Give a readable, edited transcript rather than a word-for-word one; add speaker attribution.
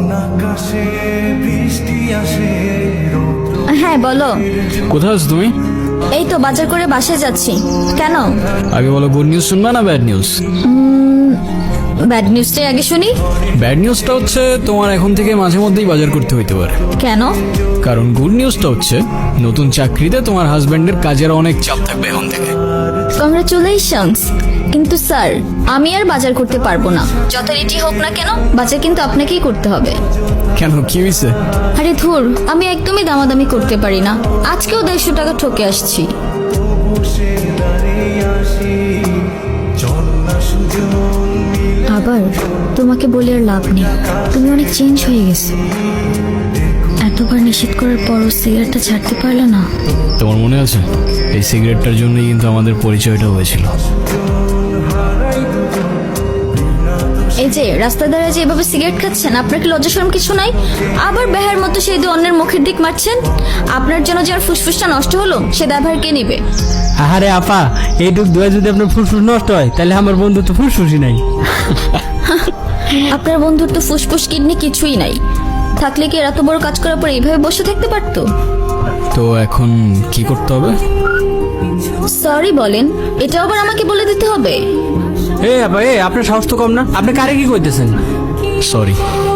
Speaker 1: হ্যাঁ বলো।
Speaker 2: কোথায় আছো তুমি?
Speaker 1: এই তো বাজার করে বাসায় যাচ্ছি। কেন?
Speaker 2: আগে বলো, গুড নিউজ শুনবা না ব্যাড নিউজ?
Speaker 1: ব্যাড নিউজটাই আগে শুনি।
Speaker 2: ব্যাড নিউজটা হচ্ছে তোমার এখন থেকে মাঝে মধ্যেই বাজার করতে হইতে পারে।
Speaker 1: কেন?
Speaker 2: কারণ গুড নিউজটা হচ্ছে নতুন চাকরিতে তোমার হাজবেন্ডের কাজের অনেক চাপ থাকবে এখন থেকে।
Speaker 1: কংগ্রাচুলেশনস। কিন্তু স্যার, আমি আর বাজার করতে পারবো না। যত রেটি হোক না কেন, বাজার কিন্তু আপনাকেই করতে হবে।
Speaker 2: কেন, কি হয়েছে?
Speaker 1: আরে ধুর, আমি একদমই দামাদামি করতে পারি না। আজকেও 150 টাকা ঠকে আসছি। আবার তোমাকে বলে আর লাভ নেই, তুমি অনেক চেঞ্জ হয়ে গেছো। এতবার নিষেধ করার পরও সিগারেটটা ছাড়তে পারলে না।
Speaker 2: তোমার মনে আছে এই সিগারেটটার জন্যই কিন্তু আমাদের পরিচয়টা হয়েছিল।
Speaker 1: এই যে রাস্তায় দাঁড়িয়ে যে এভাবে সিগারেট খাচ্ছেন, আপনার কি লজ্জা শরম কিছু নাই? আবার বেহার মতো সেই দিয়ে অন্যের মুখের দিক মারছেন। আপনার জন্য যার ফুসফুসটা নষ্ট হলো, সে দায়ভার কে নেবে?
Speaker 3: আরে আপা, এইটুক দোয়া যদি আপনার ফুসফুস নষ্ট হয়, তাহলে আমার বন্ধু তো ফুসফুসই নাই।
Speaker 1: আপনার বন্ধুর তো ফুসফুস কিডনি কিছুই নাই। থাকলে কি এত বড় কাজ করার পর এইভাবে বসে থাকতে পারতো?
Speaker 2: তো এখন কি করতে হবে?
Speaker 1: সরি বলেন, এটা আবার আমাকে বলে দিতে হবে?
Speaker 3: এ আপা, আপনার সাহস তো কম না, আপনি কারে কি কইতেছেন?
Speaker 2: সরি।